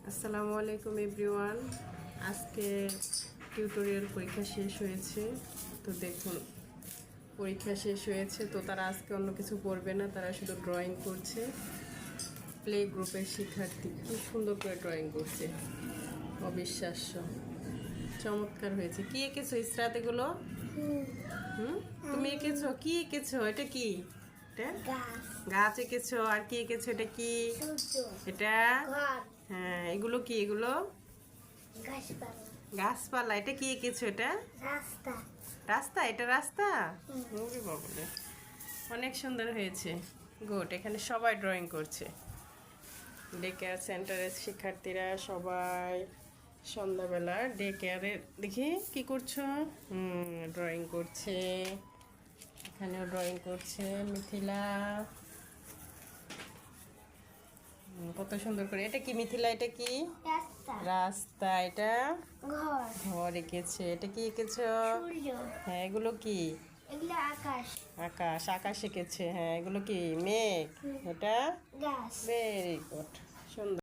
আসসালামু আলাইকুম এভরিওয়ান। আজকে টিউটোরিয়াল পরীক্ষা শেষ হয়েছে। তো দেখুন, পরীক্ষা শেষ হয়েছে তো তারা আজকে অন্য কিছু পড়বে না, তারা শুধু ড্রয়িং করছে। প্লে গ্রুপের শিক্ষার্থী কি সুন্দর করে ড্রয়িং করছে, অবিশ্বাস্য, চমৎকার হয়েছে। কি এঁকেছো ইসরাত এগুলো? তুমি এঁকেছো? কি এঁকেছো? এটা কি? এটা গাছ এঁকেছো। আর কি এঁকেছো? এটা কি? এটা হ্যাঁ, এগুলো কি? এগুলো গাছপালা। এটা কি এঁকেছো? এটা রাস্তা। রাস্তা। এটা রাস্তা। ওরে বাবারে, অনেক সুন্দর হয়েছে। গুড। এখানে সবাই ড্রয়িং করছে। ডে কেয়ার সেন্টারের শিক্ষার্থীরা সবাই সন্ধ্যাবেলা ডে কেয়ারে দেখি কি করছো? ড্রয়িং করছে। এখানেও ড্রয়িং করছে মিথিলা। কত সুন্দর করে। এটা কি মিথিলা? এটা কি? রাস্তা। রাস্তা। এটা ঘর। ঘর এঁকেছে। এটা কি এঁকেছো? সূর্য। হ্যাঁ, এগুলো কি? এগুলো আকাশ। আকাশ। আকাশ এঁকেছে। হ্যাঁ, এগুলো কি? মেঘ। এটা গাছ। ভেরি গুড, সুন্দর।